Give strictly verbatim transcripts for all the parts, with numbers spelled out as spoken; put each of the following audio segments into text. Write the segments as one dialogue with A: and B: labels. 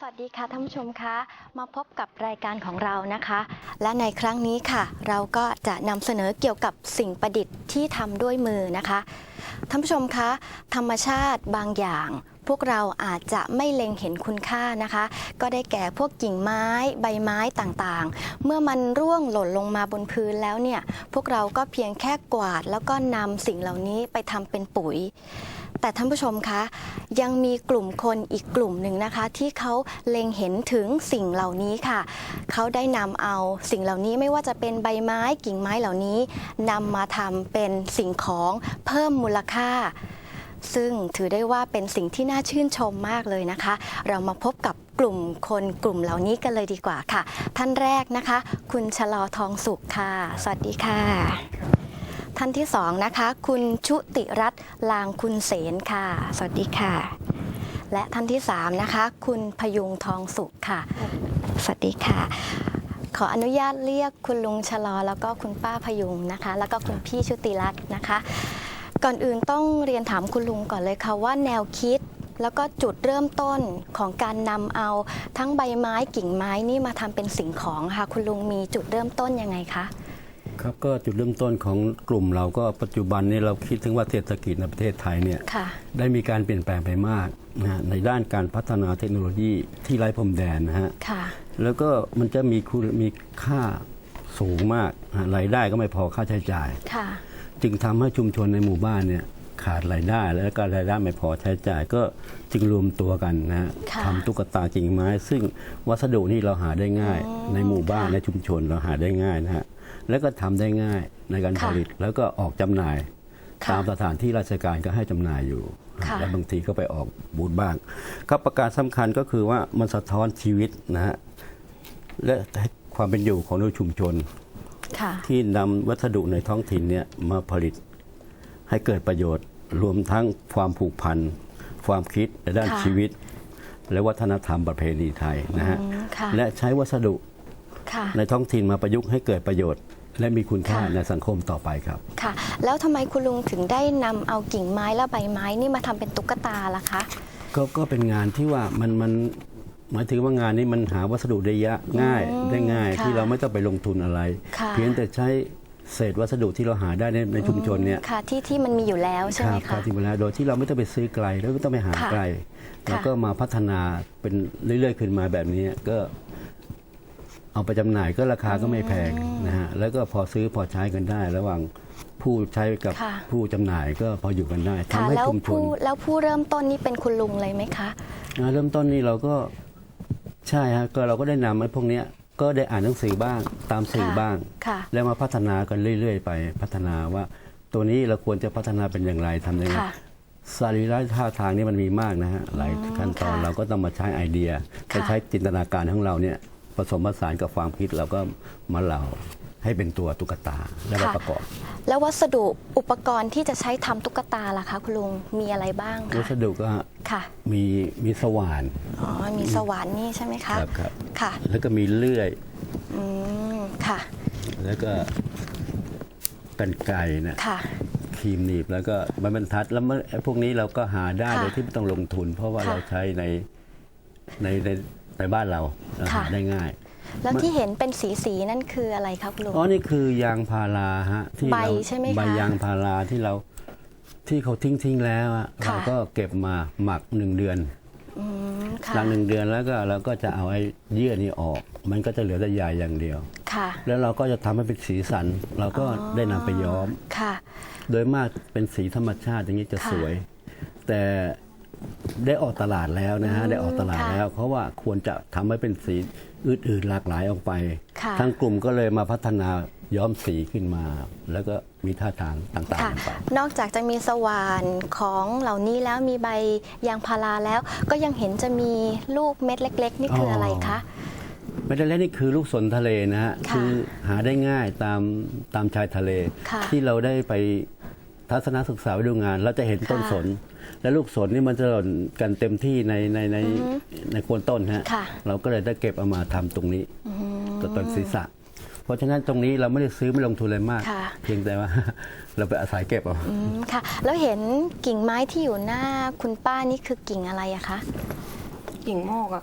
A: สวัสดีค่ะท่านผู้ชมคะมาพบกับรายการของเรานะคะและในครั้งนี้ค่ะเราก็จะนำเสนอเกี่ยวกับสิ่งประดิษฐ์ที่ทำด้วยมือนะคะท่านผู้ชมคะธรรมชาติบางอย่างพวกเราอาจจะไม่เล็งเห็นคุณค่านะคะก็ได้แก่พวกกิ่งไม้ใบไม้ต่างๆเมื่อมันร่วงหล่นลงมาบนพื้นแล้วเนี่ยพวกเราก็เพียงแค่กวาดแล้วก็นำสิ่งเหล่านี้ไปทำเป็นปุ๋ยแต่ท่านผู้ชมคะยังมีกลุ่มคนอีกกลุ่มหนึ่งนะคะที่เขาเล็งเห็นถึงสิ่งเหล่านี้ค่ะเขาได้นำเอาสิ่งเหล่านี้ไม่ว่าจะเป็นใบไม้กิ่งไม้เหล่านี้นำมาทำเป็นสิ่งของเพิ่มมูลค่าซึ่งถือได้ว่าเป็นสิ่งที่น่าชื่นชมมากเลยนะคะเรามาพบกับกลุ่มคนกลุ่มเหล่านี้กันเลยดีกว่าค่ะท่านแรกนะคะคุณชลอทองสุขค่ะสวัสดีค่ะท่านที่สองนะคะคุณชุติรัตน์ลางคุณเสนค่ะสวัสดีค่ะและท่านที่สามนะคะคุณพยุงทองสุขค่ะสวัสดีค่ะขออนุญาตเรียกคุณลุงชลอแล้วก็คุณป้าพยุงนะคะแล้วก็คุณพี่ชุติรัตน์นะคะก่อนอื่นต้องเรียนถามคุณลุงก่อนเลยค่ะว่าแนวคิดแล้วก็จุดเริ่มต้นของการนำเอาทั้งใบไม้กิ่งไม้นี่มาทำเป็นสิ่งของค่ะคุณลุงมีจุดเริ่มต้นยังไงคะ
B: ครับก็จุดเริ่มต้นของกลุ่มเราก็ปัจจุบันนี้เราคิดถึงว่าเศรษฐกิจในประเทศไทยเนี่ยได้มีการเปลี่ยนแปลงไปมากนะในด้านการพัฒนาเทคโนโลยีที่ไร้พรมแดนนะฮะแล้วก็มันจะมีคุณมีค่าสูงมากรายได้ก็ไม่พอค่าใช้จ่ายจึงทำให้ชุมชนในหมู่บ้านเนี่ยขาดรายได้และก็รายได้ไม่พอใช้จ่ายก็จึงรวมตัวกันนะฮะทำตุ๊กตากิ่งไม้ซึ่งวัสดุนี่เราหาได้ง่ายในหมู่บ้านในชุมชนเราหาได้ง่ายนะฮะแล้วก็ทำได้ง่ายในการผลิตแล้วก็ออกจำหน่ายตามสถานที่ราชการก็ให้จำหน่ายอยู่และบางทีก็ไปออกบูธบ้างก็ประการสำคัญก็คือว่ามันสะท้อนชีวิตนะฮะและความเป็นอยู่ของชุมชนที่นำวัสดุในท้องถิ่นเนี่ยมาผลิตให้เกิดประโยชน์รวมทั้งความผูกพันความคิดในด้านชีวิตและวัฒนธรรมประเพณีไทยนะฮะและใช้วัสดุในท้องถิ่นมาประยุกต์ให้เกิดประโยชน์และมีคุณค่าในสังคมต่อไปครับ
A: ค่ะแล้วทำไมคุณลุงถึงได้นำเอากิ่งไม้และใบไม้นี่มาทำเป็นตุ๊กตาล่ะคะ
B: ก็ก็เป็นงานที่ว่ามันมันหมายถึงว่างานนี้มันหาวัสดุได้ยะง่ายได้ง่ายที่เราไม่ต้องไปลงทุนอะไรเพียงแต่ใช้เศษวัสดุที่เราหาได้ในในชุมชนเนี่ย
A: ค่ะที่ที่มันมีอยู่แล้วใช่ไหมคะ
B: ที่มีแล้วโดยที่เราไม่ต้องไปซื้อไกลแล้วไม่ต้องไปหาไกลแล้วก็มาพัฒนาเป็นเรื่อยๆขึ้นมาแบบนี้ก็เอาไปจำหน่ายก็ราคาก็ไม่แพงนะฮะแล้วก็พอซื้อพอใช้กันได้ ระหว่างผู้ใช้กับผู้จำหน่ายก็พออยู่กันได้ทำให้ชุมชน
A: แล้วผู้เริ่มต้นนี่เป็นคุณลุงเลยไหมคะ
B: เริ่มต้นนี่เราก็ใช่ฮะก็เราก็ได้นำไอ้พวกนี้ก็ได้อ่านหนังสือบ้างตามสื่อบ้างแล้วมาพัฒนากันเรื่อยๆไปพัฒนาว่าตัวนี้เราควรจะพัฒนาเป็นอย่างไรทำยังไงสรีระท่าทางนี้มันมีมากนะฮะหลายขั้นตอนเราก็ต้องมาใช้ไอเดียไปใช้จินตนาการของเราเนี่ยผสมผสานกับความคิดเราก็มาเหล่าให้เป็นตัวตุ๊กตาแล้วมาประกอบ
A: แล้ววัสดุอุปกรณ์ที่จะใช้ทำตุ๊กตาล่ะคะคุณลุงมีอะไรบ้างคะ
B: วัสดุก็มีมีสว่าน
A: อ๋อมีสว่านนี่ใช่ไหมคะ
B: ครับครับ
A: ค่ะ
B: แล้วก็มีเลื่อย
A: อืมค่ะ
B: แล้วก็กรรไกรนะครีมหนีบแล้วก็ไม้บรรทัดแล้วพวกนี้เราก็หาได้โดยที่ไม่ต้องลงทุนเพราะว่าเราใช้ในในในในบ้านเราหาได้ง่าย
A: แล้วที่เห็นเป็นสีสีนั่นคืออะไรครับลุง
B: อ๋อนี่คือยางพาราฮะ
A: ที่ใบใช่ไหมคะ
B: ใบยางพาราที่เราที่เขาทิ้งทิ้งแล้วเราก็เก็บมาหมักหนึ่งเดือนหลังหนึ่งเดือนแล้วก็เราก็จะเอาไอ้เยื่อนี้ออกมันก็จะเหลือแต่ใยอย่างเดียวแล้วเราก็จะทำให้เป็นสีสันเราก็ได้นำไปย้อมโดยมากเป็นสีธรรมชาติอย่างนี้จะสวยแต่ได้ออกตลาดแล้วนะฮะได้ออกตลาดแล้วเพราะว่าควรจะทำให้เป็นสีอื่นๆหลากหลายออกไปทั้งกลุ่มก็เลยมาพัฒนาย้อมสีขึ้นมาแล้วก็มีท่าทางต่างๆไป
A: นอกจากจะมีสว่านของเหล่านี้แล้วมีใบยางพาราแล้วก็ยังเห็นจะมีลูกเม็ดเล็กๆนี่คืออะไรคะ
B: เม็ดเล็กนี่คือลูกสนทะเลนะฮะคือหาได้ง่ายตามตามชายทะเลที่เราได้ไปทัศนศึกษาไปดูงานเราจะเห็นต้นสนและลูกสนนี่มันจะหล่นกันเต็มที่ในในในในโคนต้นฮะเราก็เลยได้เก็บเอามาทำตรงนี้ตัวต้นศีรษะเพราะฉะนั้นตรงนี้เราไม่ได้ซื้อไม่ลงทุนอะไรมากเพียงแต่ว่าเราไปอาศัยเก็บเอา
A: ค่ะแล้วเห็นกิ่งไม้ที่อยู่หน้าคุณป้านี่คือกิ่งอะไรอะคะ
C: กิ่งโมกอะค่ะ
A: ค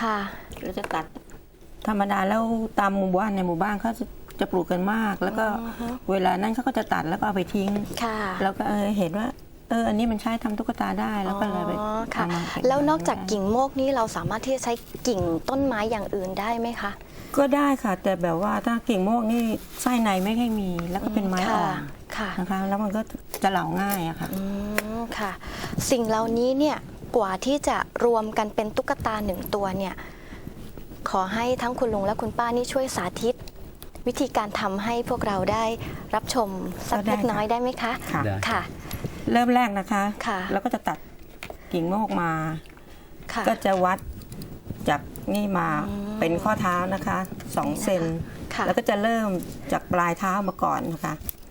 A: ค่ะ
C: เราจะตัดธรรมดาแล้วตามหมู่บ้านในหมู่บ้านเขาจะจะปลูกกันมาก แล้วก็เวลานั้นเขาก็จะตัดแล้วก็เอาไปทิ้ง
A: ค่ะ
C: แล้วก็เออเห็นว่าเอออันนี้มันใช้ทำตุ๊กตาได้แล้วก็เลยไป
A: อ๋อค่ะ
C: ทำมาเป็
A: แล้วนอกจากกิ่งโมกนี้เราสามารถที่จะใช้กิ่งต้นไม้อย่างอื่นได้ไหมคะ
C: ก็ได้ค่ะ แต่แบบว่าถ้ากิ่งโมกนี่ไส้ในไม่ค่อยมี แล้วก็เป็นไม้อ่อน
A: ค่ะ
C: นะคะแล้วมันก็จะเหลาง่ายอะค่ะ
A: อืมค่ะ สิ่งเหล่านี้เนี่ยกว่าที่จะรวมกันเป็นตุ๊กตาหนึ่งตัวเนี่ยขอให้ทั้งคุณลุงและคุณป้านี่ช่วยสาธิต วิธีการทำให้พวกเราได้รับชมสัก
C: ก็ได้
A: เล็กน้อยได้ไหมคะ
C: ค่ะ
B: ได้
A: ค่ะ
C: เริ่มแรกนะคะ
A: ค่ะ
C: แล้วก็จะตัดกิ่งโมกมา
A: ค่ะ
C: ก็จะวัดจากนี่มา
A: อืม
C: เป็นข้อเท้านะคะสองเซน
A: ค่ะ
C: แล้วก็จะเริ่มจากปลายเท้ามาก่อนนะคะ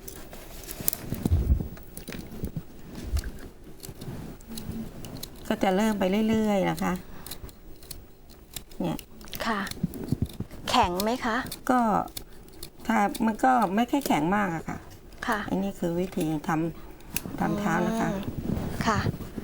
C: ก็จะเริ่มไปเรื่อยๆนะคะ เนี่ย
A: ค่ะ แข็งไหมคะ
C: ก็ถ้ามันก็ไม่ค่อยแข็งมากอะค่ะ
A: ค่ะ
C: อันนี้คือวิธีทำทำเท้านะคะ
A: อืมค่ะ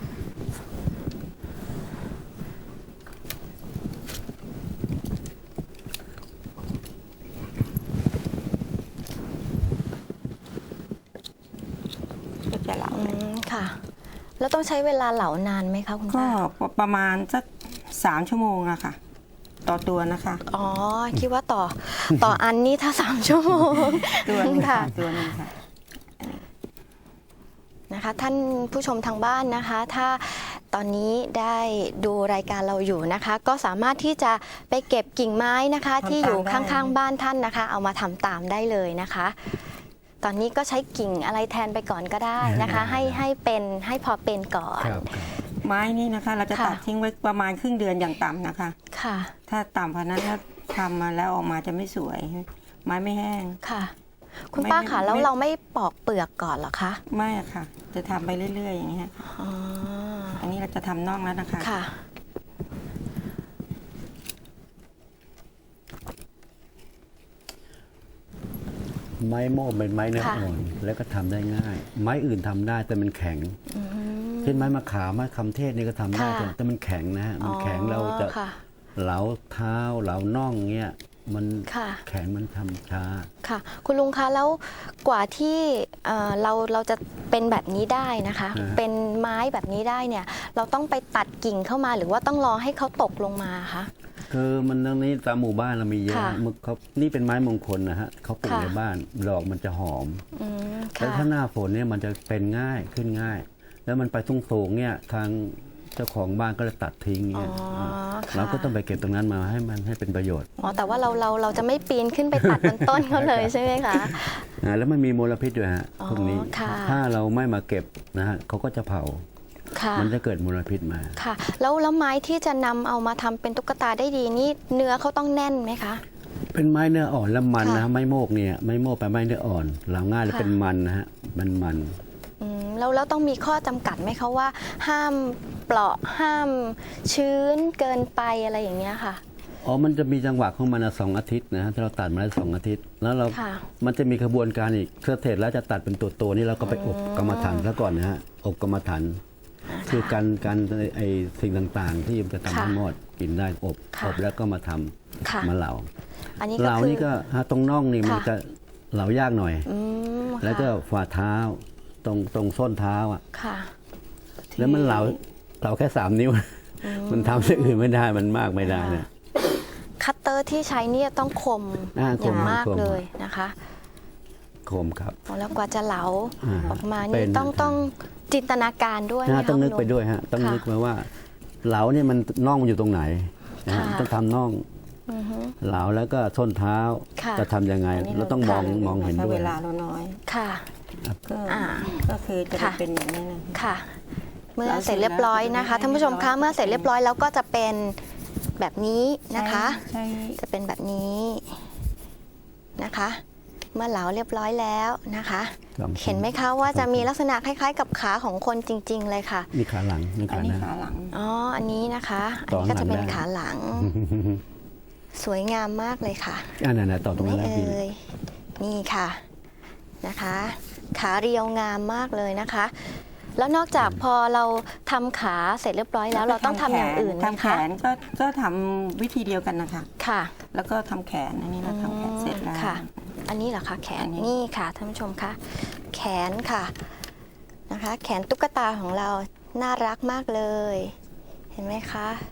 C: ก็จะเหลา
A: อืมค่ะ แล้วต้องใช้เวลาเหลานานไหมคะคุณ
C: ก็
A: ป้า
C: ประมาณสักสามชั่วโมงอะค่ะ ต่อตัวนะคะ
A: อ๋อ คิดว่าต่อ ต่ออันนี้ถ้าสามชั่วโมง
C: ตัวหนึง
A: ค่ะ
C: ค่ะตัวหนึงค่ะ
A: นะคะท่านผู้ชมทางบ้านนะคะ ถ้าตอนนี้ได้ดูรายการเราอยู่นะคะ ก็สามารถที่จะไปเก็บกิ่งไม้นะคะ
C: ทำตาม
A: ที่อยู่
C: ได้
A: ข้างๆบ้านท่านนะคะ เอามาทำตามได้เลยนะคะ ตอนนี้ก็ใช้กิ่งอะไรแทนไปก่อนก็ได้นะคะ ให้ให้เป็นให้พอเป็นก่อน
B: ครับ
C: ไม้นี่นะคะ เราจะ
A: ค่ะ
C: ตัดทิ้งไว้ประมาณครึ่งเดือนอย่างต่ำนะคะ
A: ค่ะ
C: ถ้าต่ำกว่านั้นถ้าทำมาแล้วออกมาจะไม่สวย ไม้ไม่แห้ง
A: ค่ะ คุณ
C: ไม่
A: ป้า
C: ไม่
A: ค่ะแล้ว
C: ไม่
A: เราไม่ปอกเปลือกก่อนเหรอคะ
C: ไม่อะค่ะ จะทำไปเรื่อยๆอย่างเงี้ย
A: อ๋อ
C: อันนี้เราจะทำน่องแล้วนะคะ
A: ค่ะ
B: ไม้โม่เป็นไม้เนื้อ
A: ค่ะ
B: อ่อน แล้วก็ทำได้ง่าย ไม้อื่นทำได้แต่มันแข็ง
A: อืม
B: เช่นไม้มะขามไม้คำเทศนี่ก็ทำได้
A: ค่ะ
B: แต่แต่มันแข็งนะฮะมันแข็งเราจะ
A: อ๋อค่ะ
B: เหลาเท้าเหลาน่องเงี้ยมัน
A: ค่ะ
B: แข็งมันทำช้า
A: ค่ะ คุณลุงคะแล้วกว่าที่เอ่อเราเราจะเป็นแบบนี้ได้นะคะ
B: อ่า
A: เป็นไม้แบบนี้ได้เนี่ย เราต้องไปตัดกิ่งเข้ามาหรือว่าต้องรอให้เขาตกลงมาคะ
B: คือมันตรงนี้ตามหมู่บ้านเรามีเยอะ
A: ค่ะ
B: มึกเขานี่เป็นไม้มงคลนะฮะเขาปลูก
A: ค่ะ
B: ในบ้านดอกมันจะหอม
A: อืม
B: แล้ว
A: ค่ะ
B: ถ้าหน้าฝนเนี่ยมันจะเป็นง่ายขึ้นง่าย แล้วมันไปทุ่งสูงเนี่ยทางเจ้าของบ้านก็จะตัดทิ้ง
A: อ๋อ
B: เนี่ย
A: ค่ะ
B: เราก็ต้องไปเก็บตรงนั้นมาให้มันให้เป็นประโยชน์
A: อ๋อแต่ว่าเราเราเราจะไม่ปีนขึ้นไปตัดบนต้นเขาเลยใช่ไหมคะ
B: อ่าแล้วมันมีมลพิษด้วยฮะ
A: อ๋อ
B: พวกนี้
A: ค่ะ
B: ถ้าเราไม่มาเก็บนะฮะเขาก็จะเผา
A: ค่ะ
B: มันจะเกิดมลพิษมา
A: ค่ะ แล้วแล้วไม้ที่จะนำเอามาทำเป็นตุ๊กตาได้ดีนี่เนื้อเขาต้องแน่นไหมคะ
B: เป็นไม้เนื้ออ่อนและมัน
A: ค่ะ
B: นะฮะไม้โมกเนี่ยไม้โมกเป็นไม้เนื้ออ่อนเหลาง่ายและ
A: ค่ะ
B: เป็นมันนะฮะมันมัน
A: อืมแล้วแล้วต้องมีข้อจำกัดไหมคะว่า ห้ามเปราะห้ามชื้นเกินไปอะไรอย่างเงี้ยค่ะ
B: อ๋อมันจะมีจังหวะของมันอะสองอาทิตย์นะฮะถ้าเราตัดมาได้สองอาทิตย์ แล้วเรา
A: ค่ะ
B: มันจะมีกระบวนการอีกเสร็จแล้วจะตัดเป็นตัวตัวๆนี่เราก็ไปอบกรรมฐานซะก่อนนะฮะอบกรรมฐานคือการการไอสิ่งต่างๆ ที่มันจะทำให้
A: ค่ะ
B: หมดกินได้อบ
A: ค่ะ
B: อบแล้วก็มาทำ
A: ค่ะ
B: มาเหลา
A: อันนี้
B: เห
A: ก็
B: ลา
A: คือ
B: นี่ก็ฮะตรงน่องนี่มัน
A: ค่ะ
B: จะเหลายากหน่อย
A: อืม
B: แล้วก็
A: ค่ะ
B: ฝ่าเท้าตรงตรงส้นเท้าอ่ะ
A: ค่ะ
B: แล้วมันเหลาเหลาแค่สามนิ้ว มันทำสิ่งอื่นไม่ได้มันมากไม่ได้เนี่ย
A: คัตเตอร์ที่ใช้เนี่ยต้องคม
B: อ่า
A: อย่าง
B: คม
A: มาก
B: คม
A: เลยนะคะ
B: โคมครับ
A: แล้วกว่าจะเหลา
B: อ่า
A: ออกมา
B: เป็
A: นี่
B: น
A: ต้องต้องจินตนาการด้วยไหม
B: นะ
A: คะ
B: ต้องนึก
A: คุณ
B: ไป
A: ลุ
B: ด้วยฮะต้อง
A: ค่ะ
B: นึกไปว่า เหลาเนี่ยมันน่องมันอยู่ตรงไหนนะฮะ
A: ค่ะ
B: ต้องทำน่อง
A: อือฮึ
B: เหลาแล้วก็ส้นเท้า
A: ค่ะ
B: จะทำยังไง
C: อันนี้
B: เราต้องมอง
C: ค่ะ
B: มองเห็น
C: ถ้า
B: ด้วย
C: เวลาเราน้อย
A: ค่ะ
C: ก็
A: อ่า
C: ก็คือจะ
A: ค่ะ
C: เป็นอย่างนี้นะ
A: ค่ะ เมื่อ
C: เรา
A: เสร็จเรียบร้อยนะคะ
C: เสร็จแล้ว
A: ท่านผู้ชมคะเมื่อเสร็จเรียบร้อยแล้วก็จะเป็นแบบนี้นะคะ
C: ใช่
A: จะเป็นแบบนี้นะคะ เมื่อเหลาเรียบร้อยแล้วนะคะ
B: ครับ
A: เห็นไหมคะว่าจะมีลักษณะคล้ายๆ กับขาของคนจริง ๆ เลยค่ะ
B: นี่ขาหลังนี่
C: อัน
B: ขา
C: นี้
B: หน้า
C: ขาหลัง
A: อ๋อ อันนี้นะคะอัน
B: ต่อ
A: นี้ก็จะเป็น
B: หลังได้
A: ขาหลัง สวยงามมากเลยค่ะ
B: อันนั้นนะต่อตรง
A: ไม่
B: นั้นแล้ว
A: เอ่
B: พี่
A: ยนี่ค่ะนะคะ ขาเรียวงามมากเลยนะคะแล้วนอกจากพอเราทำขาเสร็จเรียบร้อยแล้วเราต้องทำอย่างอื่นไหม
C: ทำแข
A: คะ
C: นก็ก็ทำวิธีเดียวกันนะคะ
A: ค่ะ
C: แล้วก็ทำแขนอันนี้เราทำแขนเสร็จแล้ว
A: ค่ะ อันนี้เหรอคะแขน
C: อันนี้
A: นี่ค่ะท่านผู้ชมคะแขนค่ะนะคะ แขนตุ๊กตาของเราน่ารักมากเลย เห็นไหมคะ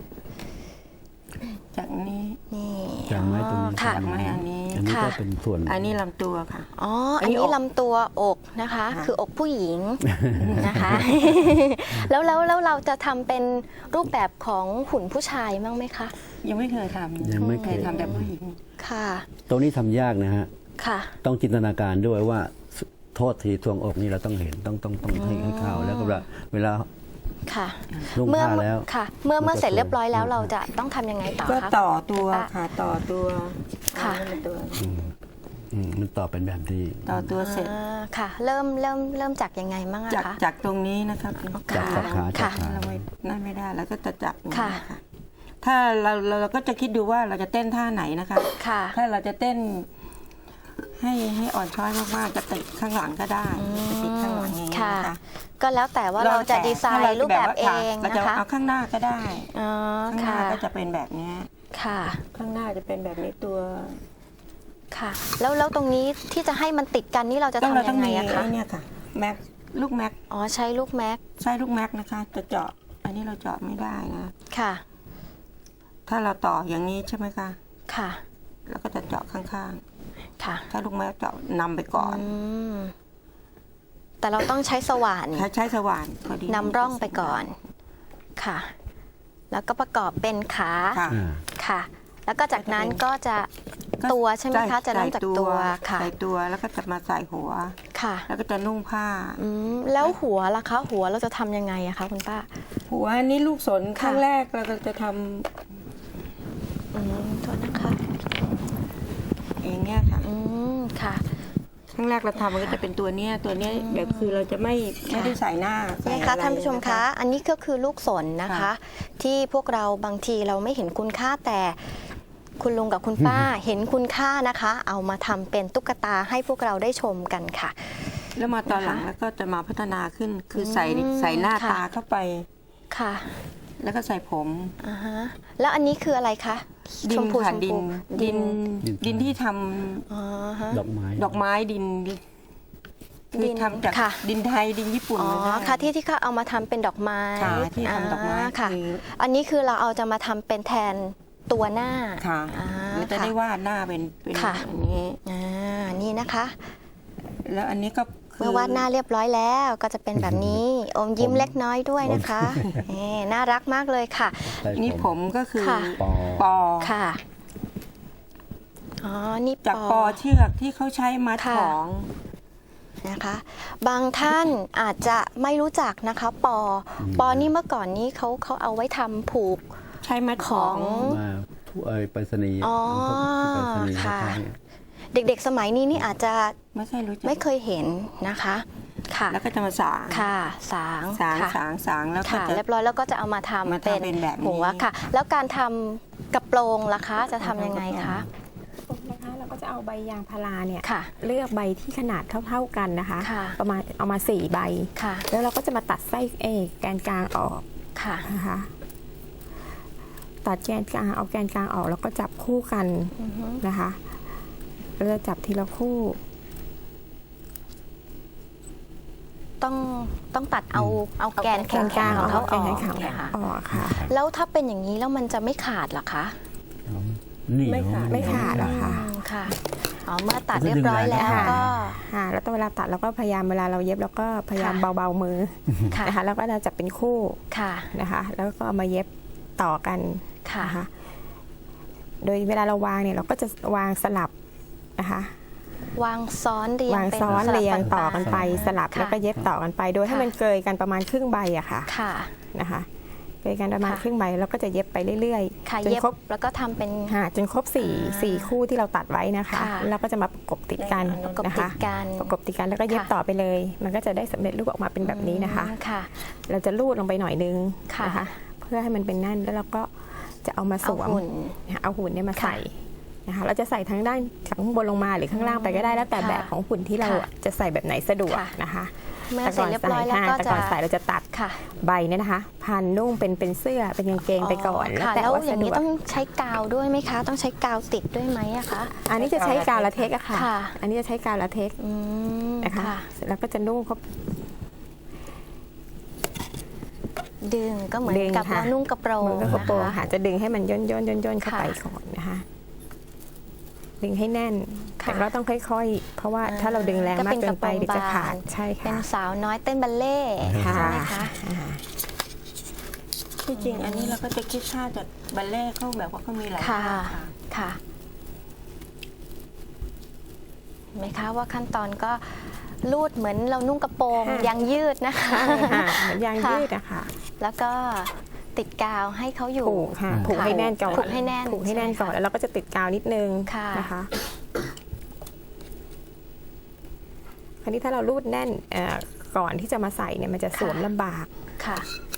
C: จากนี้
A: นี่
B: จางไม้ตรงนี้
A: ค่ะ
C: จางไม้อันนี้
B: อันนี้ก็
A: ค่ะ
B: เป็นส่วน
C: อันนี้ลำตัวค่ะ
A: อ๋อ
C: อั
A: อัน
C: นนี้
A: นี้
C: อก
A: ลำตัวอกนะคะ
C: ค่ะ
A: คืออกผู้หญิงนะคะ แล้วแล้วแล้วเราจะทำเป็นรูปแบบของหุ่นผู้ชายบ้างไหมคะ
C: ยังไม่เคยทำ
B: ยังไม่เคย
C: ทำแต่ผู้หญิง
A: ค่ะ
B: ตรงนี้ทำยากนะฮะ
A: ค่ะ
B: ต้องจินตนาการด้วยว่าโทษทีทรวงอกนี่เราต้องเห็นต้องต้องต้องให้ให้เข้าแล้วก็เวลาเวลา
A: ค่ะ
B: นุ่ง
A: เมื่อ
B: ผ้าแล้ว
A: ค่ะ เมื่อ
B: มันจะ
A: เมื่อเสร็จเรียบร้อยแล้ว
B: สวย
A: เราจะต้องทำยังไงต่อ
C: ก็
A: คะ
C: ต่อตัว
A: อ่ะ
C: ค่ะต่อตัว
A: ค่ะ
C: อันนี้เป็นตัว
B: อืมอืมมันต่อเป็นแบบที่
C: ต่อตัวเสร็จ
A: อ่าค่ะ เริ่มเริ่มเริ่มจากยังไงบ้างอะ
C: จาก
A: คะ
C: จากตรงนี้นะครับ
B: จากจากขาจาก
A: ค่ะ
B: ขา
C: เราไม่นั่นไม่ได้แล้วก็จะจับอย่างนี้
A: ค่ะ
C: ค่ะถ้าเราเราเราก็จะคิดดูว่าเราจะเต้นท่าไหนนะคะ
A: ค่ะ
C: ถ้าเราจะเต้น ให้ให้อ่อนช้อยมากๆจะติดข้างหลังก็ได้จะติดข้างหลังอย่างนี้ย
A: ค่ะ
C: นะคะ
A: ก็แล้วแต่ว่าเราจะดีไซน์รูปแบบเอง
C: เรา
A: นะ
C: จะ
A: คะ
C: เอาข้างหน้าก็ได้
A: อ๋อ
C: ข้างห
A: ค่ะ
C: น้าก็จะเป็นแบบเนี้ย
A: ค่ะ
C: ข้างหน้าจะเป็นแบบนี้ตัว
A: ค่ะ แล้วแล้วตรงนี้ที่จะให้มันติดกันนี่เราจะ
C: ต้องเรา
A: ทำ
C: ต้
A: ยั
C: อง
A: งไง
C: มี
A: อะคะ
C: ไอ้เนี่ยค่ะแม็กลูกแม็ก
A: อ๋อใช้ลูกแม็ก
C: ใช้ลูกแม็กนะคะ จะเจาะอันนี้เราเจาะไม่ได้นะ
A: ค่ะ
C: ถ้าเราต่ออย่างนี้ใช่ไหมคะ
A: ค่ะ
C: แล้วก็จะเจาะข้าง
A: ค่ะ
C: ๆ ถ้าลูกแม็กเจาะนำไปก่อน
A: อืมแต่เราต้องใช้สว่าน
C: ใช้ใช้สว่านพอดี
A: นำร่องไปก่อน ค่ะ แล้วก็ประกอบเป็นขา
C: ค่ะ
B: อ่า
A: ค่ะ แล้วก็จากนั้นก็จะตัวใช่ไหมคะ จะเริ่มจากตัวค่ะ
C: ใส่ตัวแล้วก็จะมาใส่หัว
A: ค่ะ
C: แล้วก็จะนุ่งผ้า
A: อืมแล้วหัวล่ะคะ หัวเราจะทำยังไงอะคะคุณป้า
C: หัวอันนี้ลูกสน
A: ค่ะ
C: ครั้งแรกเราก็จะท
A: อืมโทษนะคะ
C: ำเองเนี่ยค่ะ
A: อืมค่ะ
C: ครั้งแรกเราทำมันก็จะเป็นตัวเนี้ยตัวเนี้ยแบบคือเราจะไม่ไม่ได้ใส่หน้าใส่
A: นี่
C: อะ
A: คะ
C: ไร
A: ท่านผู้ชมคะ อันนี้ก็คือลูกสนนะคะ
C: ค่ะ
A: ที่พวกเราบางทีเราไม่เห็นคุณค่าแต่คุณลุงกับคุณป้า เห็นคุณค่านะคะ เอามาทำเป็นตุ๊กตาให้พวกเราได้ชมกันค่ะ
C: แล้วมาตอนหลังแล้วก็จะมาพัฒนาขึ้น คือใส่
A: อืม
C: ใส่หน้า
A: ค่ะ
C: ตาเข้าไป
A: ค่ะ
C: แล้วก็ใส่ผม
A: อ่าฮะแล้วอันนี้คืออะไรคะ
C: ดิ
A: ช
C: น
A: มพู
C: ค่ะ
A: ชม
C: ดิ
A: พู
C: นดิน
B: ดิน
C: ดินที่ทำ
A: อ๋อฮะ
B: ดอกไม้
C: ดอกไม้ดินดิน
A: ดิ
C: คือน ทำจาก
A: ค่ะ
C: ดินไทยดินญี่ปุ่น
A: อ๋อ
C: เลย
A: ค่ะที่ที่เขาเอามาทำเป็นดอกไม้
C: ค่ะที่ทำดอกไม้
A: าค่ะ
C: คือ
A: อันนี้คือเราเอาจะมาทำเป็นแทนตัวหน้า
C: ค่ะ
A: อ่า
C: แล้วจะ
A: ค่ะ
C: ได้วาดหน้าเป็นเป็น
A: ค่ะ
C: อันนี้
A: อ่านี่นะคะ
C: แล้วอันนี้ก็คื
A: เมื่อวาดหน้าเรียบร้อยแล้วก็จะเป็นแบบนี้ อมยิ้มเล็กน้อยด้วยนะคะนี่น่ารักมากเลยค่ะ
B: ใส่
C: นี่ผมก็คือ
A: ค่ะ
B: ปอ
C: ปอ
A: ค่ะ อ๋อ นี่
C: จากปอเชือกที่เขาใช้มัด
A: ค่ะ
C: ของ
A: นะคะ บางท่านอาจจะไม่รู้จักนะคะ ปอ ปอนี่เมื่อก่อนนี้เขาเขาเอาไว้ทำผูก
C: ใช้มัด
A: ข
C: ข
A: อ
C: อง ง
B: มาทั่วเอ่ยไปรษณีย์
A: อ๋อ
B: ที่ไปรษณีย์
A: ค่ะ
B: ท้าย
A: เด็กๆ สมัยนี้นี่อาจจะ
C: ไม่ค่อยรู้จัก
A: ไม่เคยเห็นนะคะ ค่ะ
C: แล้วก็จะมาสาง
A: ค่ะ สาง
C: สาง
A: ค่ะ
C: สางสางแล้วก็
A: ค่ะ
C: จะ
A: เรียบร้อยแล้วก็จะเอามาทำ
C: มาทำเป็นแบบนี้
A: หัวค่ะ แล้วการทำกระโปรงล่ะคะ จะทำยังไงคะ
D: นะคะเราก็จะเอาใบยางพาราเนี่ย
A: ค่ะ
D: เลือกใบที่ขนาดเท่าๆกันนะคะ
A: ค่ะ
D: ประมาณเอามาสี่ใบ
A: ค่ะ
D: แล้วเราก็จะมาตัดไส้เอกแกนกลางออก
A: ค่ะ
D: นะคะตัดแกนกลางเอาแกนกลางออกแล้วก็จับคู่กัน
A: อือฮึ
D: นะคะเราจะจับทีละคู่
A: ต้องต้องตัดเอาเอาแกนแข็ง
D: กลาง
A: ๆของเขาอ
D: แก
A: อน ก
D: แข็ง
A: เนี่ยค่ะ
D: ออกค่ะ
A: แล้วถ้าเป็นอย่างนี้แล้วมันจะไม่ขาดเหรอคะ
B: นี่
C: ไม่ขาด
D: ไม่ขาดหรอกค่ะ
A: อืมค่ะ อ๋อ เมื่อตัดเรียบร้อยแล้ว
D: ค่ะ
A: ก็
D: ค่ะแล้วตอนเวลาตัดเราก็พยายามเวลาเราเย็บเราก็พยายาม
A: ค่ะ
D: เบาๆมือ
A: ค่ะ
D: นะคะแล้วก็เราจับเป็นคู่
A: ค่ะ
D: นะคะ แล้วก็เอามาเย็บต่อกัน
A: ค่ะ
D: นะคะโดยเวลาเราวางเนี่ยเราก็จะวางสลับนะคะ
A: วางซ้อนเรียง
D: วาง
A: เป็น
D: ซ้อน
A: สลับ
D: เรียง
A: างๆ
D: ต่อกันไปสลับ
A: ค่ะ
D: แล้วก็เย็บต่อกันไป โดยให้
A: ค่ะ
D: มันเกยกันประมาณครึ่งใบอะค่ะ
A: ค่ะ
D: นะคะเกยกันประมาณ
A: ค่ะ
D: ครึ่งใบแล้วก็จะเย็บไปเรื่อย
A: ค่ะ
D: ๆจน
A: เย็บ
D: ครบ
A: แล้วก็ทำเป็น
D: ค่ะจนครบสี่
A: อ่า
D: สี่คู่ที่เราตัดไว้นะคะ
A: ค่ะ
D: แล้วก็จะมาประกบติดกัน
A: ประกบ
D: นะ
A: ติ
D: คะ
A: ดกัน
D: ประกบติดกันแล้วก็เย็บ
A: ค่ะ
D: ต่อไปเลย มันก็จะได้สำเร็จรูปออกมาเป็นแบบนี้นะคะ
A: อืมค่ะ
D: เราจะลูดลงไปหน่อยนึง
A: ค่ะ
D: นะคะ เพื่อให้มันเป็นแน่นแล้วเราก็จะเอามาส
A: เอา
D: วม
A: หุ่น
D: เอาหุ่นเนี่ยมาใส่นะคะเราจะใส่ทั้งด้านจากข้างบนลงมาหรือข้างล่างไปก็ได้แล้วแต่
A: ค่ะ
D: แบบของหุ่นที่เรา
A: ค่ะ
D: อะจะใส่แบบไหนสะดวก
A: ค่ะ
D: นะคะ
A: เมื่อเสร็จเรียบร้อยแล้วก็
D: แต่
A: จะ
D: ก่อนใส่เราจะตัด
A: ค่ะ
D: ใบเนี่ยนะคะ พันนุ่งเป็นเป็นเสื้อเป็นกางเกงไปก่อน
A: ค่ะ
D: แต่
A: แล้ว
D: ว่า
A: อย่าง
D: สะด
A: นี้
D: วก
A: ต้องใช้กาวด้วยไหมคะ ต้องใช้กาวติดด้วยไหมอะคะ
D: อันนี้จะใช้กาวลาเทกซ์อะค่ะ
A: ค่ะ
D: อันนี้จะใช้กาวลาเทกซ์
A: อืม
D: นะคะ
A: ค่ะ
D: เสร็จแล้วก็จะนุ่งเขา
A: ดึงก็เหมือน
D: ดึง
A: กับ
D: ค่ะ
A: เรานุ่งกระโปรง
D: เหมือนกับกระโปรง
A: นะคะ
D: ค่ะจะดึงให้มันย่นย่นย่นย่นเข้า
A: ค่ะ
D: ไปก่อนนะคะดึงให้แน่น
A: ค่ะ
D: แต่ก็ต้องค่อยๆ เพราะว่า
A: อ่า
D: ถ้าเราดึงแรง
A: ก็
D: มาก
A: เป็น
D: เกิ
A: ก
D: น
A: ระโป
D: ไป
A: รง
D: เดี๋ยวจะ
A: บาน
D: ขาดใช่
A: เป็น
D: ค่ะ
A: สาวน้อยเต้นบัลเล่ต์
D: ค่ะ
A: ใช่ไหมคะ
D: อ่า
C: ที่จริงอันนี้เราก็จะคิดค่าจากบัลเล่ต์เขาแบบว่าเขามีหลาย
A: ค่ะ
C: ท่าค่ะ
A: ค่ะเห็นไหมคะว่าขั้นตอนก็ลูดเหมือนเรานุ่งกระโปรง
D: ค่ะ
A: ยางยืดนะคะ
D: ใช่ค่ะเหมือนยาง
A: ค่ะ
D: ยืดอะค่ะ
A: แล้วก็ติดกาวให้เขาอยู่
D: ผูกค่ะ
B: ค่ะ
D: ผูกให้แน่นก่อน
A: ผูกให้แน่น
D: ผูกให้แน่นก่อน
A: ใช่ไหมคะ
D: แล้วเราก็จะติดกาวนิดนึง
A: ค่ะ
D: นะคะคราวนี้ถ้าเรารูดแน่นเอ่อก่อนที่จะมาใส่เนี่ยมันจะสวมลำบาก
A: ค่ะ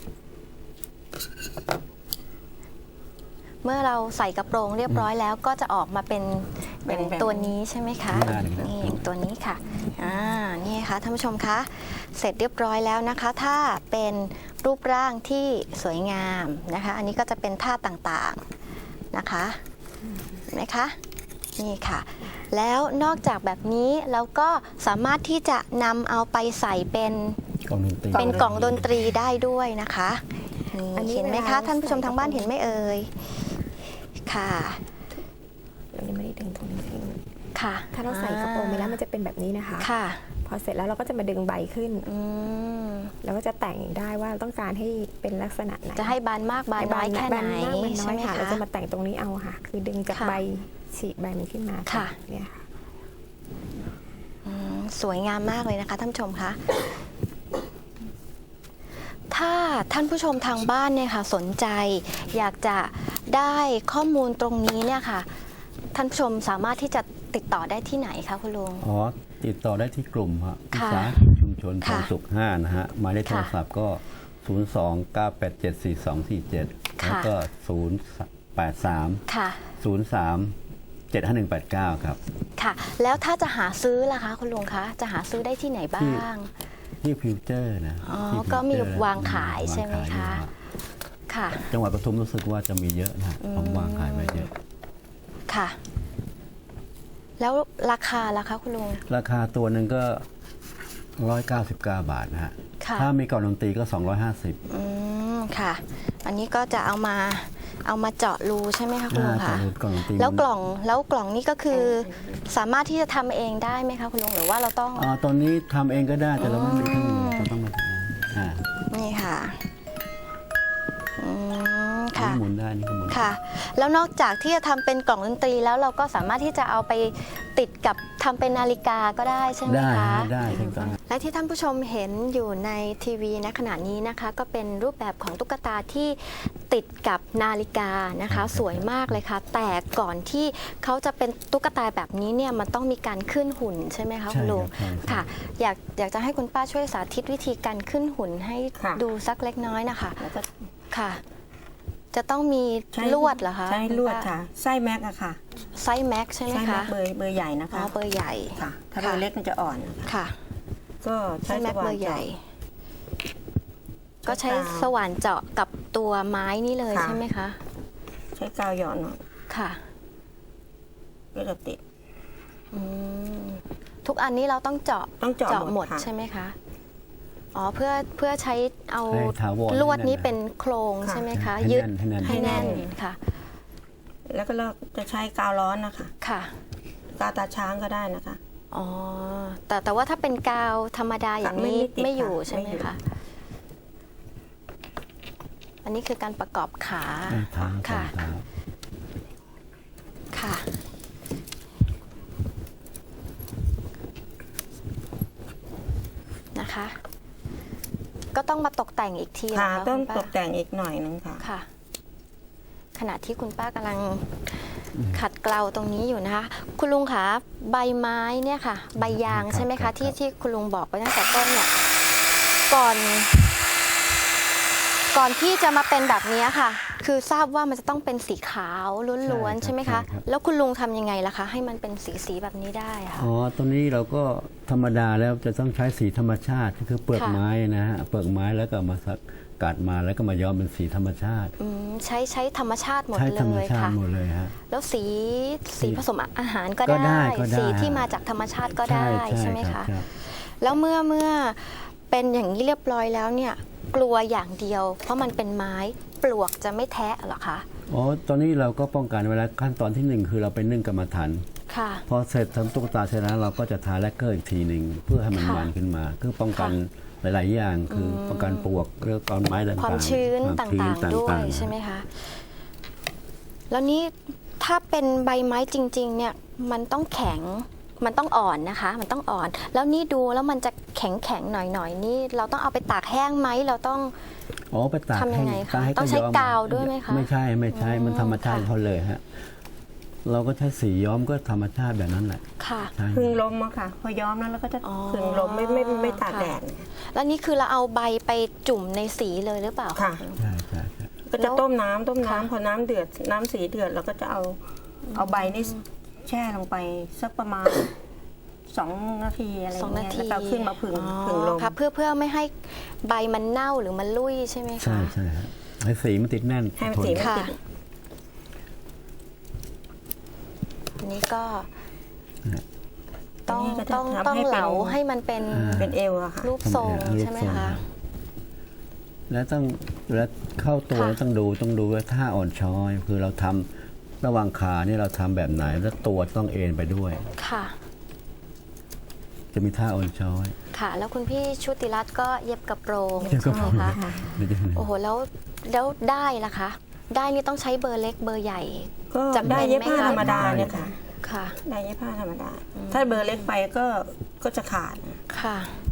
A: เมื่อเราใส่กระโปรงเรียบร้อยแล้วก็จะออกมาเป็นอย่าง
C: เป็นแบบ
A: ตัวนี้ใช่ไหมคะ
B: ได้เลยครับ
A: นี่อย่างตัวนี้ค่ะอ่านี่ค่ะท่านผู้ชมคะเสร็จเรียบร้อยแล้วนะคะ ถ้าเป็นรูปร่างที่สวยงามนะคะ อันนี้ก็จะเป็นท่าต่างๆนะคะเห็นไหมคะนี่ค่ะ แล้วนอกจากแบบนี้เราก็สามารถที่จะนำเอาไปใส่เป็น
B: กล่องดนตรี
A: เป็นกล่องดนตรีได้ด้วยนะคะ
D: อันนี้
A: นี่เห็นไหม
D: เว
A: คะ
D: ลา
A: ท่านผู้ชม
D: ใส่
A: ทางบ้านเห็นไหมเอ่ยค่ะ
D: เรายังไม่ได้ดึงตรงนี้ขึ้น
A: ค่ะ
D: ถ้าเราใส่กระโปรงไปแล้วมันจะเป็นแบบนี้นะคะ
A: ค่ะ
D: พอเสร็จแล้วเราก็จะมาดึงใบขึ้น
A: อืม
D: แล้วก็จะแต่งได้ว่าต้องการให้เป็นลักษณะไหน
A: จะให้บานมากบานน้อยแค่ไหน
D: บานมากบานน้
A: ใช่
D: อย
A: ไหม
D: ค่ะ
A: คะ
D: เราจะมาแต่งตรงนี้เอาค่ะ คือดึงจาก
A: ค่ะ
D: ใบฉีกใบมันขึ้นมา
A: ค่ะ
D: เนี่ยค่ะ
A: อืมสวยงามมากเลยนะคะท่านผู้ชมคะถ้าท่านผู้ชมทางบ้านเนี่ยค่ะ สนใจอยากจะได้ข้อมูลตรงนี้เนี่ยค่ะ ท่านผู้ชมสามารถที่จะติดต่อได้ที่ไหนคะคุณลุง
B: อ๋อติดต่อได้ที่กลุ่มฮะวิ
A: ค่ะ
B: สาหกิจชุมชนท
A: ค่ะ
B: องสุขห้านะฮะหมายเลขโทรศัพท์ก็ ศูนย์ สอง เก้า แปด เจ็ด สี่ สอง สี่ เจ็ด แล้วก็ ศูนย์ แปด สาม
A: ค่ะ
B: ศูนย์ สาม เจ็ด ห้า หนึ่ง แปด เก้า ครับ
A: ค่ะ แล้วถ้าจะหาซื้อล่ะคะคุณลุงคะจะหาซื้อได้ที่ไหนบ้าง
B: ที่ฟิวเจอร์นะ
A: อ๋อ
B: ที่ฟิวเจอร์
A: ก็มีวาง
B: นะ
A: ขายใช่ไหม
B: วาง
A: คะ
B: ขายอยู่ฮ
A: ค่ะ
B: จังหวัดปทุมรู้สึกว่าจะมีเยอะนะผมวางขายไว้เยอะ
A: ค่ะ แล้วราคาล่ะคะคุณลุง
B: ราคาตัวหนึ่งก็ หนึ่งร้อยเก้าสิบเก้า บาทนะฮะ
A: ค่ะ
B: ถ้ามีกล่องดนตรีก็ สองร้อยห้าสิบ
A: อืมค่ะ อันนี้ก็จะเอามาเอามาเจาะรูใช่ไหมคะคุณลุง
B: อ่า
A: คะ
B: กล่องดนตรี
A: แล้วกล่องแล้วกล่องนี้ก็คือ สามารถที่จะทำเองได้ไหมคะคุณลุงหรือว่าเราต้อง
B: อ่าตอนนี้ทำเองก็ได้แต่เราไม่มีเครื่องมือเราต้องมาทำอ่า
A: นี่ค่ะอืม
B: อัน
A: ค่ะ
B: นี่หมุนได้นี่ก็หมุน
A: ค่ะ แล้วนอกจากที่จะทำเป็นกล่องดนตรีแล้วเราก็สามารถที่จะเอาไปติดกับทำเป็นนาฬิกาก็ได้ใช่ไหม
B: ได้
A: คะ
B: ฮะได้ถูกต้อง
A: และที่ท่านผู้ชมเห็นอยู่ในทีวีณขณะนี้นะคะ ก็เป็นรูปแบบของตุ๊กตาที่ติดกับนาฬิกานะคะ สวยมากเลยค่ะ แต่ก่อนที่เขาจะเป็นตุ๊กตาแบบนี้เนี่ยมันต้องมีการขึ้นหุ่นใช่ไหมคะ
B: ใช่
A: คุณลุง
B: ครับใช่
A: ค่ะ อยากอยากจะให้คุณป้าช่วยสาธิตวิธีการขึ้นหุ่นให้
C: ค่ะ
A: ดูสักเล็กน้อยนะคะ
C: แล้วก็
A: ค่ะ จะต้องมี
C: ใช้
A: ลวดเหรอคะ
C: ใช้ลวดค่ะไส้แม็กอะค่ะ
A: ไซส์แม็กใช่ไหม
C: ไส้แม็
A: คะ
C: กเบอร์เบอร์ใหญ่นะ
A: อ๋อ
C: คะ
A: เบอร์ใหญ่
C: ค่ะ ถ้า
A: ค่ะ
C: เบอร์เล็กมันจะอ่อน
A: ค่ะ
C: ก็
A: ไซ
C: ใช้
A: ส์แม็ก
C: สว่า
A: เบอน ร์ใหญ่
C: เจาะ
A: ก็ใช้สว่านเจาะกับตัวไม้นี่เลย
C: ค่ะ
A: ใช่ไหมคะ
C: ใช้กาวหยอดหน่อย
A: ค่ะ
C: ก็จะติด
A: อืมทุกอันนี้เราต้องเจาะ
C: ต้องเจาะ
A: หมด
C: ค่ะ
A: ใช่ไหมคะอ๋อเพื่อเพื่อใช้เอา
B: ให้ถาวร
A: ลวดนี้
B: ให้แน่น
A: เป็นโครงใช่ไหมคะ
B: ให้
A: ยึด
B: แน่นให้แน่น
A: ให้แน่นค่ะ
C: แล้วก็เราจะใช้กาวร้อนนะคะ
A: ค่ะ
C: กาวตาช้างก็ได้นะคะ
A: อ๋อแต่แต่ว่าถ้าเป็นกาวธรรมดาอย่างนี้
C: ไม่ไม่ติด
A: ไม่อยู่
C: ค่ะ
A: ใช่ไหม
C: ไม่อยู่
A: คะอันนี้คือการประกอบขา
B: ให้เท้าสอ
A: ค่ะ
B: งเท้า
A: ค่ะ นะคะ ก็ต้องมาตกแต่งอีกที
C: ค่ะ
A: นะคะ
C: ต้อง
A: คุณป้า
C: ตกแต่งอีกหน่อยนึงค่ะ
A: ค่ะ ขณะที่คุณป้ากำลังขัดเกลาตรงนี้อยู่นะคะ คุณลุงคะใบไม้เนี่ยค่ะ ใบยางใช่ไหมคะที่ที่คุณลุงบอกไปตั้งแต่ต้นเนี่ยก่อน ก่อนที่จะมาเป็นแบบนี้ค่ะคือทราบว่ามันจะต้องเป็นสีขาวล้วนๆ
B: ใช่ครับ
A: ใช่ไหมคะ
B: ใช่ครับ
A: แล้วคุณลุงทำยังไงล่ะคะ ให้มันเป็นสีสีๆแบบนี้ได้อะค่ะ
B: อ๋อตอนนี้เราก็ธรรมดาแล้วจะต้องใช้สีธรรมชาติก็คือเปลือก
A: ค่ะ
B: ไม้นะฮะเปลือกไม้แล้วก็มาสักกัดมาแล้วก็มาย้อมเป็นสีธรรมชาติ
A: อืมใช้ใช้ธรรมชาติหมด
B: ใช้
A: เล
B: ธรรม
A: ย
B: ชาติ
A: ค่ะ
B: หมดเลยฮะ
A: แล้วสีสีผสมอาหารก็
B: ก็ได้
A: ได้
B: ก็ได้
A: สีที่มาจากธรรมชาติก็ได้ใช่ไหม
B: ครั
A: คะ
B: บครับ
A: แล้วเมื่อเมื่อเป็นอย่างนี้เรียบร้อยแล้วเนี่ยกลัวอย่างเดียว เพราะมันเป็นไม้ปลวกจะไม่แทะเหรอคะ
B: อ๋อตอนนี้เราก็ป้องกันเวลาขั้นตอนที่หนึ่งคือเราไปนึ่งกรรมฐาน
A: ค่ะ
B: พอเสร็จทำตุ๊กตาเสร็จแล้วเราก็จะทาแลกเกอร์อีกทีหนึ่งเพื่อให้มัน
A: ค่ะ
B: มันขึ้นมาคือป้องกันหลาย ๆ อย่างคือป้องกันปลวกเรื่องก้อนไม้ต่างๆ
A: ความชื้น
B: คว
A: ต
B: มชื้
A: ่างๆด้วย
B: ๆ
A: ใช่ไหมคะ แล้วนี่ถ้าเป็นใบไม้จริง ๆ เนี่ยมันต้องแข็งมันต้องอ่อนนะคะ มันต้องอ่อน แล้วนี่ดูแล้วมันจะแข็งแข็งๆหน่อยๆนี่เราต้องเอาไปตากแห้งไหมเราต้อง
B: อ๋อไปตาก
A: ทำยังไงคะ
B: ตากให้
A: ต้องใช้
B: ย้ม
A: กาวด้วยไหมคะ
B: ไม่ใช่ไม่ใช่มันธรรมชาติ
A: ค่ะ
B: เขาเลยฮะเราก็ใช้สีย้อมก็ธรรมชาติแบบนั้นแหละ
A: ค่ะ
B: ใช่
C: พึ่งลมอะค่ะ พอย้อมแล้วเราก็จะ
A: อ๋อ
C: พึ่งลมไม่ไม่ไม่ไม่ตาก
A: ค่ะ
C: แดด
A: แล้วนี่คือเราเอาใบไปจุ่มในสีเลยหรือเปล่า
C: ค่ะ
B: ใช่ใช่ใช่
C: ก็จะต้มน้ำต้มน้ำ
A: ค่ะ
C: พอน้ำเดือดน้ำสีเดือดเราก็จะเอาเอาใบนี่แช่ลงไปสักประมาณสองนาทีอะไรอ
A: สอย่าง นา
C: เงี้ย
A: ที
C: แล้วก็เอาขึ้นมาผึ่ง
A: อ๋อ
C: ผึ่งลม
A: ค่ะเพื่อเพื่อไม่ให้ใบมันเน่าหรือมันลุ่ยใช่ไหมคะ
B: ใช่ใช่ฮะให้สีมันติดแน่น
C: ให้มัน
B: ทน
C: สีมัน
A: ค่ะ
C: ติด
A: อันนี้ก็ต้อง
C: อันนี้ก็จะ
A: ต้อง
C: ทำ
A: ต้อง
C: ให้เป็น
A: เหลาให้มันเป็น
B: อ่า
C: เป็นเอวอะค่ะ
A: รูปทรง
B: ทำเป็นรูป
A: ใช่ไหม
B: ทรง
A: คะ
B: แล้วต้องแล้วเข้าตัว
A: ค่ะ
B: ต้องดูต้องดูว่าท่าอ่อนช้อยคือเราทำระหว่างขาเนี่ยเราทำแบบไหน แล้วตัวต้องเอ็นไปด้วย
A: ค่ะ
B: จะมีท่าอ่อนช้อย
A: ค่ะ แล้วคุณพี่ชุติรัตน์ก็เย็บกระโปรง
B: เย็บกระ
A: ใช่
B: โป
A: ไห
B: ร
A: ม
B: ง
A: คะ
B: ไม่ได้
A: โอ้โหแล้วแล้วได้ล่ะคะ ได้นี่ต้องใช้เบอร์เล็กเบอร์ใหญ่
C: ก็
A: จำเป็น
C: ได้เย็บผ้า
A: ไหมคะ
C: ธรรมดาเนี่ยค่ะ
A: ค่ะ
C: ได้เย็บผ้าธรรมดา ถ้าเบอร์เล็กไปก็ก็จะขาด
A: ค่ะ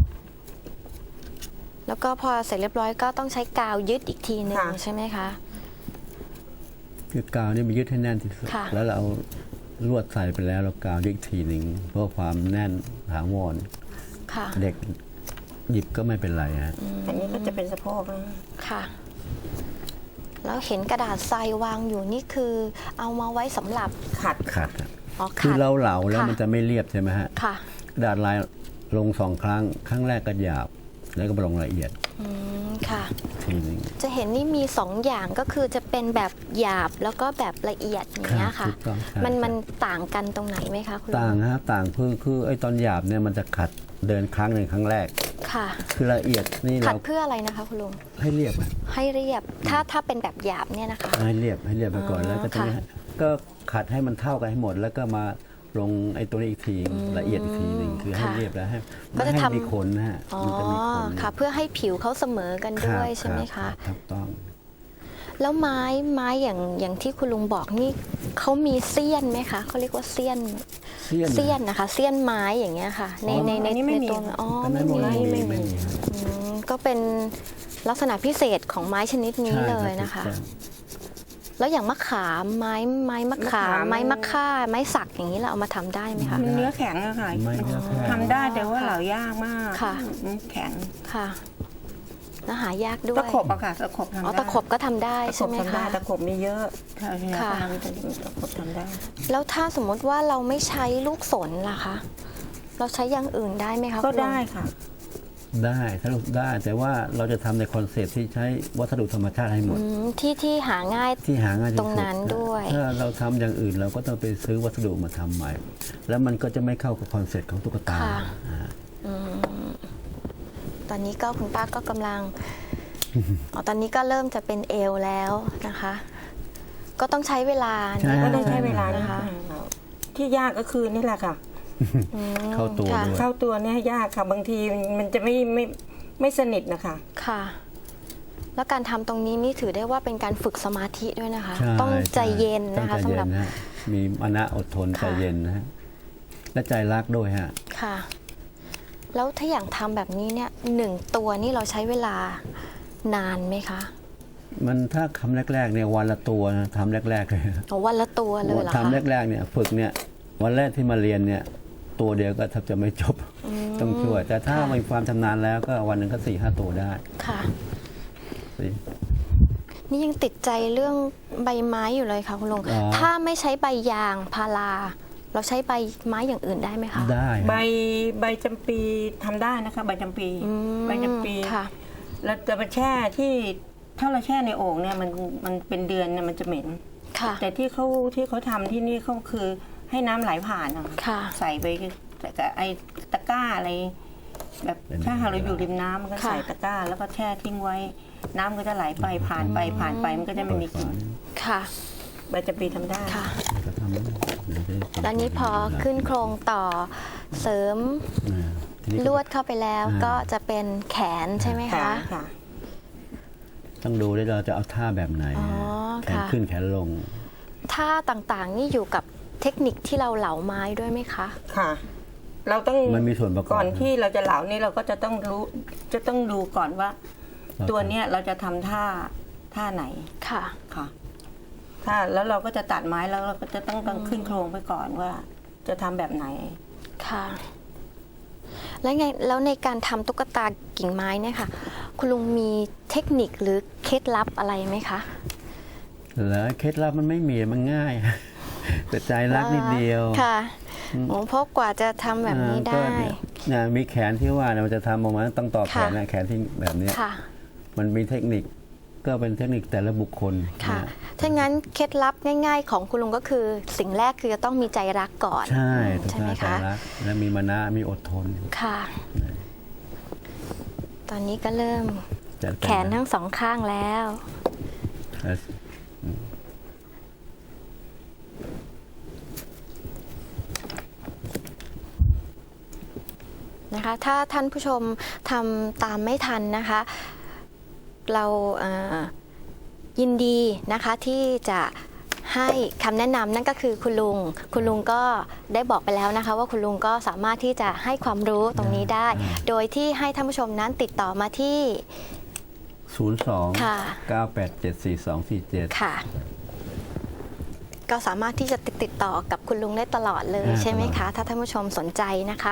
A: แล้วก็พอเสร็จเรียบร้อยก็ต้องใช้กาวยึดอีกทีหนึ่ง
C: ค่ะ
A: ใช่ไหมคะ
B: คือกาวนี่มันยึดให้แน่นที่สุด
A: ค่ะ
B: แล้วเราเอาลวดใส่ไปแล้วเรากาวยึดอีกทีหนึ่งเพื่อความแน่นถาวร
A: ค่ะ
B: เด็กหยิบก็ไม่เป็นไรฮะ
C: อันนี้ก็จะเป็นสะโพกนะ
A: ค่ะ แล้วเห็นกระดาษทรายวางอยู่นี่คือ เอามาไว้สำหรับ
C: ขัด
B: ขัดครับ
A: อ๋อ
B: คือ
A: ขัด
B: เราเหลาแล้ว
A: ค่ะ
B: มันจะไม่เรียบใช่ไหมฮะ
A: ค่ะ
B: กระดาษลายลงสองครั้ง ครั้งแรกก็หยาบ แล้วก็มาลงละเอียด
A: อืมค่ะ
B: ทีหนึง
A: จะเห็นนี่มีสองอย่างก็คือจะเป็นแบบหยาบแล้วก็แบบละเอียดอย่างเงี้ยค่ะ
B: ถูกต้องใช่
A: มัน
B: ใช่
A: มันต่างกันตรงไหนไหมคะคุณลุ
B: ต่างฮะต่างคือคือไอ้ตอนหยาบเนี่ยมันจะขัดเดินครั้งหนึ่งครั้งแรก
A: ค่ะ
B: คือละเอียดนี่
A: ขัด
B: เรา
A: เพื่ออะไรนะคะคุณลุง
B: ให้เรียบอะ
A: ให้เรียบ ถ้าถ้าเป็นแบบหยาบเนี่ยนะคะ
B: ให้เรียบให้เรียบไปก่อน
A: อ๋อ
B: แล้วก็จะ
A: ค่ะ
B: ก็ขัดให้มันเท่ากันให้หมด แล้วก็มาลงไอ้ตัวนี้อีกทีละเอียดอีกทีหนึ่งคือให้
A: ค่ะ
B: เรียบแล้วให้
A: ก็
B: ไม่
A: จะ
B: ให้
A: ทำ
B: มีขนนะฮะ
A: อ๋อ
B: มันจะมีขน
A: ค่ะ เพื่อให้ผิวเขาเสมอกัน
B: รับ
A: ด้วยใช่ไหม
B: รั
A: คะ
B: บถูกต้อง
A: แล้วไม้ไม้อย่างอย่างที่คุณลุงบอกนี่เขามีเสี้ยนไหมคะเขาเรียกว่าเสี้ยน
B: เสี้ยน
A: เสี้ยนนะคะเสี้ยนไม้อย่างเงี้ยค่ะ ในในใน
C: อันนี้ไม่
A: ใน
C: มี
A: ตัวอ๋อ
B: อันนั้
A: ไม่
B: น
A: มี
B: ไม่มีไม่มีครับ
A: อืมก็เป็นลักษณะพิเศษของไม้ชนิดนี้
B: ใช่
A: เลย
B: รับ
A: นะคะ
B: ถูกต้อง
A: แล้วอย่างมะขามไม้ไม้มะขาม
C: มะขาม
A: ไม้มะค่าไม้สักอย่างนี้เราเอามาทำได้ไหมคะ
C: มันเนื้อแข็งอะค่ะ
B: ไม่เนื้อแข็ง
C: ทำได้แต่ว่าเหลายากมาก
A: ค่ะ
C: มันแข็ง
A: ค่ะแล้วหายากด้วย
C: ตะขบอะค่ะตะขบทำได้
A: อ๋อตะขบก็ทำได้
C: ตะข
A: ใช่
C: บ
A: ไหม
C: ทำได้
A: คะ
C: ตะขบมีเยอะใช่ใช่
A: ค่ะ
C: ทำตะขบทำได้
A: แล้วถ้าสมมติว่าเราไม่ใช้ลูกสนล่ะคะ เราใช้อย่างอื่นได้ไหมคะ
C: ก็
A: คุณลุง
C: ได้ค่ะ
B: ได้สรุปได้แต่ว่าเราจะทำในคอนเซปต์ที่ใช้วัสดุธรรมชาติให้หมด
A: อืมที่ที่หาง่าย
B: ที่หาง่ายที่
A: ต
B: สุด
A: รงนั้นด้วย
B: ถ้าเราทำอย่างอื่นเราก็ต้องไปซื้อวัสดุมาทำใหม่ แล้วมันก็จะไม่เข้ากับคอนเซ็ปต์ของตุ๊กตา
A: ค่ะ
B: อ่า
A: อืมตอนนี้ก็คุณป้าก็กำลัง อ๋อตอนนี้ก็เริ่มจะเป็นเอวแล้วนะคะ ก็ต้องใช้เวลา
B: ใช่
A: นะ
C: ก็ต้องใช้เวลา
A: นะ
C: นะคะ คะที่ยากก็คือนี่แหละค่ะ
A: อืม
B: เข้าตัว
A: ค่ะ
B: ด้วย
C: เข้าตัวเนี่ยยากค่ะ บางทีมันจะไม่ไม่ไม่สนิทนะคะ
A: ค่ะ แล้วการทำตรงนี้นี่ถือได้ว่าเป็นการฝึกสมาธิด้วยนะคะ
B: ใช่
A: ต้องใจเย็น
B: ต้อ
A: นะ
B: ง
A: คะ
B: ใจ
A: สำ
B: เย็
A: หรับ
B: นนะฮะมีมานะอดทน
A: ค่ะ
B: ใจเย็นนะฮะและใจรักด้วยฮะ
A: ค่ะ แล้วถ้าอย่างทำแบบนี้เนี่ยหนึ่งตัวนี่เราใช้เวลานานไหมคะ
B: มันถ้าคำแรกๆเนี่ยวันละตัวนะทำแรกๆเลย
A: อ๋อวันละตัวเลยเหรอคะ
B: ทำแรกๆเนี่ยฝึกเนี่ยวันแรกที่มาเรียนเนี่ยตัวเดียวก็แทบจะไม่จบ
A: ม
B: ต้องช่วย แต่ถ้า
A: ค่ะ
B: มีความชำนาญแล้วก็วันหนึ่งก็สี่ห้าตัวได้
A: ค่ะ
B: สิ
A: นี่ยังติดใจเรื่องใบไม้อยู่เลยค่ะคุณลุง
B: อ๋อ
A: ถ้าไม่ใช้ใบยางพาราเราใช้ใบไม้อย่างอื่นได้ไหมคะ
B: ได้
C: ใบใบจำปีทำได้นะคะใบจำปี
A: อืม
C: ใบจำปี
A: ค่ะ
C: เราจะไปแช่ที่ถ้าเราแช่ในโอ่งเนี่ยมันมันเป็นเดือนเนี่ยมันจะเหม็น
A: ค่ะ
C: แต่ที่เขาที่เขาทำที่นี่เขาคือให้น้ำไหลผ่านอะ
A: ค่ะ
C: ใส่ไปกับไอ้ตะกร้าอะไรแบบถ้าหากเราอยู่ริมน้ำมันก็
A: ค่ะ
C: ใส่ตะกร้า แล้วก็แช่ทิ้งไว้ น้ำก็จะไหลไปผ่านไปผ่านไปมันก็จะไม่มีกลิ่น
A: ค่ะ
C: ใบจำปีทำได้
A: ค่ะ
B: ก็ทำได้เดี๋ยวได้
A: แล้วนี้พอขึ้นโครงต่อเสริม
B: อ่าทีนี้
A: ลวดเข้าไปแล้ว
B: อ่า
A: ก็จะเป็นแขนใช่ไหม
C: ค่ะ
A: คะ
C: ค่ะ
B: ต้องดูด้วยเราจะเอาท่าแบบไหน
A: อ๋อ
B: แขน
A: ค่ะ
B: ขึ้นแขนลง
A: ท่าต่างๆ นี่อยู่กับเทคนิคที่เราเหลาไม้ด้วยไหมคะ
C: ค่ะ เราต้อง
B: มันมีส่วนประกอบ
C: ก่อนที่เราจะเหลานี่เราก็จะต้องรู้จะต้องดูก่อนว่า ตัวเนี้ยเราจะทำท่าท่าไหน
A: ค่ะ
C: ค่ะถ้าแล้วเราก็จะตัดไม้แล้วเราก็จะต้องต้องขึ้นโครงไปก่อนว่า จะทำแบบไหน
A: ค่ะ แล้วไงแล้วในการทำตุ๊กตากิ่งไม้เนี่ยค่ะ คุณลุงมีเทคนิคหรือเคล็ดลับอะไรไหมคะ
B: แล้วเคล็ดลับมันไม่มีมันง่าย แต่ใจรักนิดเดียว
A: ค่ะโอ้เพราะกว่าจะทำแบบนี้
B: อ่า
A: ได้
B: ก็เนี่ยเนี่ยมีแขนที่ว่าเนี่ยมันจะทำออกมาต้องต่อแขนนะแขนที่แบบเนี้ย
A: ค่ะ
B: มันมีเทคนิคก็เป็นเทคนิคแต่ละบุคคล
A: ค่ะ
B: นะ
A: ถ้างั้นเคล็ดลับง่าย ๆ ของคุณลุงก็คือ สิ่งแรกคือจะต้องมีใจรักก่อน
B: ใช่ต้อง
A: ใช่ไหม
B: ใจ
A: คะ
B: รักและมีมานะมีอดทน
A: ค่ะ ตอนนี้ก็เริ่ม
B: จะ
A: แขนทั้งสองข้างแล้ว
B: แต่
A: นะคะถ้าท่านผู้ชมทำตามไม่ทันนะคะ เราเอ่อยินดีนะคะที่จะให้คำแนะนำนั่นก็คือคุณลุง คุณลุงก็ได้บอกไปแล้วนะคะ ว่าคุณลุงก็สามารถที่จะให้ความรู้ตรงนี้ได้ โดยที่ให้ท่านผู้ชมนั้นติดต่อมาที่
B: ศูนย์สอง
A: ค่ะ
B: เก้าแปดเจ็ดสี่สองสี่เจ็ด
A: ค่ะ ก็สามารถที่จะติดติดต่อกับคุณลุงได้ตลอดเลย
B: อ่า
A: ใช่ไหม
B: ตลอ
A: คะ
B: ด
A: ถ้าท่านผู้ชมสนใจนะคะ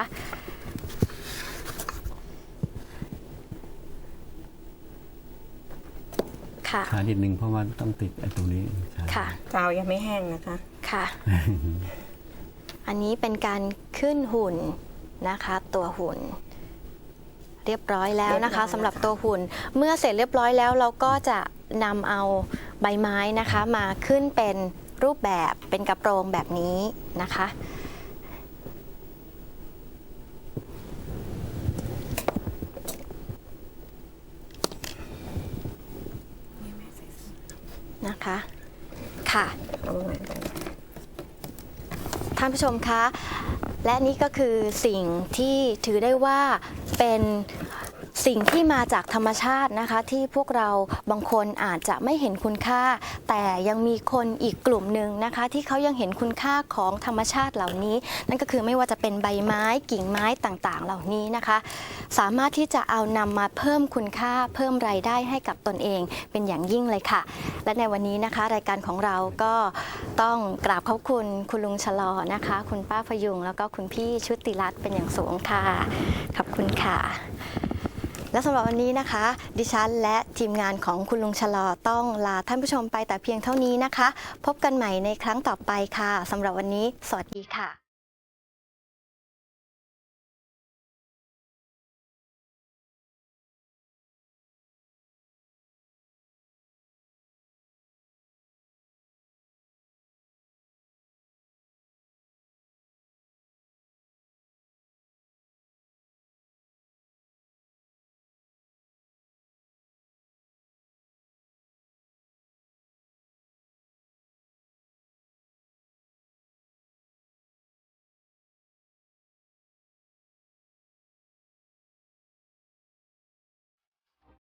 A: ค่ะ
B: ช้านิดนึงเพราะว่าต้องติดไอ้ตรงนี้ช้า
A: ค่ะ
C: กาวยังไม่แห้งนะคะ
A: ค่ะ อันนี้เป็นการขึ้นหุ่นนะคะ ตัวหุ่น เรียบร้อยแล้วนะคะสำหรับตัวหุ่น เมื่อเสร็จเรียบร้อยแล้วเราก็จะนำเอาใบไม้นะคะ มาขึ้นเป็นรูปแบบเป็นกระโปรงแบบนี้นะคะ นะคะ ค่ะ ท่านผู้ชมคะ และนี่ก็คือสิ่งที่ถือได้ว่าเป็นสิ่งที่มาจากธรรมชาตินะคะ ที่พวกเราบางคนอาจจะไม่เห็นคุณค่า แต่ยังมีคนอีกกลุ่มหนึ่งนะคะ ที่เขายังเห็นคุณค่าของธรรมชาติเหล่านี้ นั่นก็คือไม่ว่าจะเป็นใบไม้กิ่งไม้ต่างๆ เหล่านี้นะคะ สามารถที่จะเอานำมาเพิ่มคุณค่าเพิ่มรายได้ให้กับตนเองเป็นอย่างยิ่งเลยค่ะ และในวันนี้นะคะ รายการของเราก็ต้องกราบขอบคุณคุณลุงชะลอนะคะ คุณป้าพยุงแล้วก็คุณพี่ชุติรัตน์เป็นอย่างสูงค่ะขอบคุณค่ะ และสำหรับวันนี้นะคะ ดิฉันและทีมงานของคุณลุงชะลอต้องลาท่านผู้ชมไปแต่เพียงเท่านี้นะคะ พบกันใหม่ในครั้งต่อไปค่ะสำหรับวันนี้สวัสดีค่ะ